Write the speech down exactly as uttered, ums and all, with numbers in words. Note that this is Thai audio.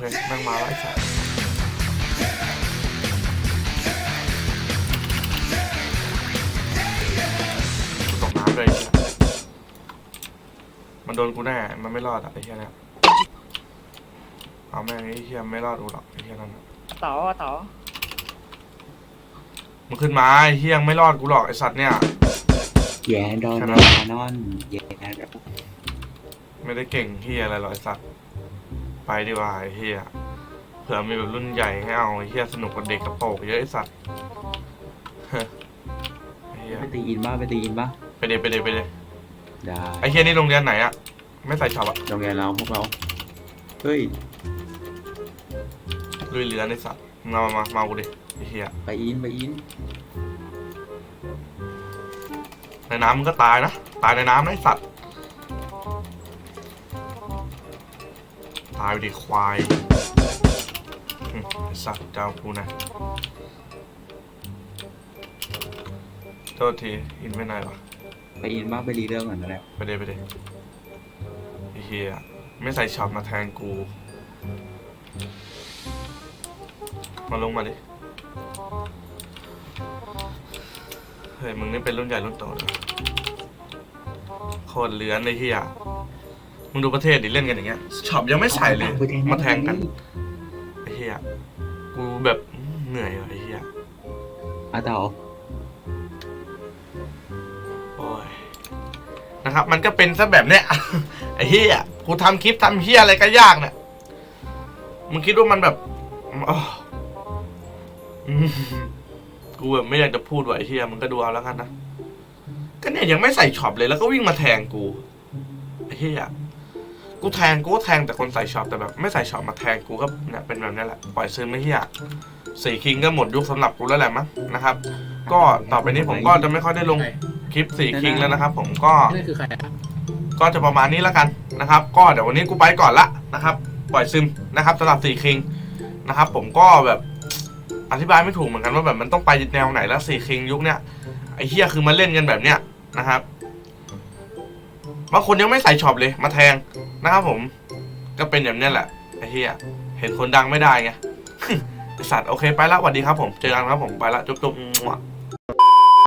แม่งมาแล้วไอ้สัสกูตกน้ำเลยมันโดนกูแน่มันไม่รอดอ่ะไอ้เหี้ยเนี่ยเอาแม่งไอ้เหี้ยไม่รอดกูหรอกไอ้เหี้ยนั่นต่อต่อมึงขึ้นมาไอ้เหี้ยไม่รอดกูหรอกไอ้สัตว์เนี่ยแย่โดนนอนแย่ไม่ได้เก่งเหี้ยอะไรหรอกไอ้สัตว์ไปดีกว่าไอ้เหี้ยเผื่อมีแบบรุ่นใหญ่ให้เอาไอ้เหี้ยสนุกกับเด็กกระโปงเยอะไอ้สัตว์ไปตีอินบ้าไปตีอินบ้าไปเดไปเดไปเดได้ไอ้เหี้ยนี่โรงเรียนไหนอะไม่ใส่ช็อปอะโรงเรียนเราพวกเราเฮ้ยลุยเรือในสัตว์มามามามากูดิไอ้เหี้ยไปอินไปอินในน้ำมึงก็ตายนะตายในน้ำนะไอ้สัตว์ตายไปดิควายไอ้สัตว์เจ้ากูนะโทษทีอินไม่ไหนวะไปอินบ้าไปรีเรื่องก่อนนะแล้วไปเดไปเดไอ้เหี้ยไม่ใส่ช็อปมาแทงกูมาลงมาดิเฮ้ยมึงนี่เป็นรุ่นใหญ่รุ่นโตเลยโคตรเลื้อนไอ้เหี้ยมึงดูประเทศดิเล่นกันอย่างเงี้ยช็อปยังไม่ใส่เลยมาแทงกันไอ้เหี้ยกูแบบเหนื่อยว่ะไอ้เหี้ยอาเต๋าโอ้ยนะครับมันก็เป็นซะแบบเนี้ยไอ้เหี้ยกูทำคลิปทำเหี้ยอะไรก็ยากเนี่ยมึงคิดว่ามันแบบกูแบบไม่อยากจะพูดว่าไอ้เหี้ยมึงก็ดูเอาแล้วกันนะก็เนี่ยยังไม่ใส่ช็อปเลยแล้วก็วิ่งมาแทงกูไอ้เหี้ยกูแทงกูก็แทงแต่คนใส่ช็อปแต่แบบไม่ใส่ช็อปมาแทงกูก็เนี่ยเป็นแบบนี้แหละปล่อยซึมไม่เหี้ยสี่คิงก็หมดยุคสำหรับกูแล้วแหละมั้งนะครับก็ต่อไปนี้ผมก็จะไม่ค่อยได้ลงคลิปสี่คิงแล้วนะครับผมก็ก็จะประมาณนี้แล้วกันนะครับก็เดี๋ยววันนี้กูไปก่อนละนะครับปล่อยซึมนะครับสำหรับสี่คิงนะครับผมก็แบบอธิบายไม่ถูกเหมือนกันว่าแบบมันต้องไปแนวไหนแล้วสี่คิงยุคเนี้ยไอ้เหี้ยคือมาเล่นกันแบบเนี้ยนะครับบางคนยังไม่ใส่ช็อปเลยมาแทงนะครับผมก็เป็นแบบนี้แหละไอ้เหี้ยเห็นคนดังไม่ได้ไงไอ้สัตว์โอเคไปละสวัสดีครับผมเจอกันครับผมไปละจุ๊บๆ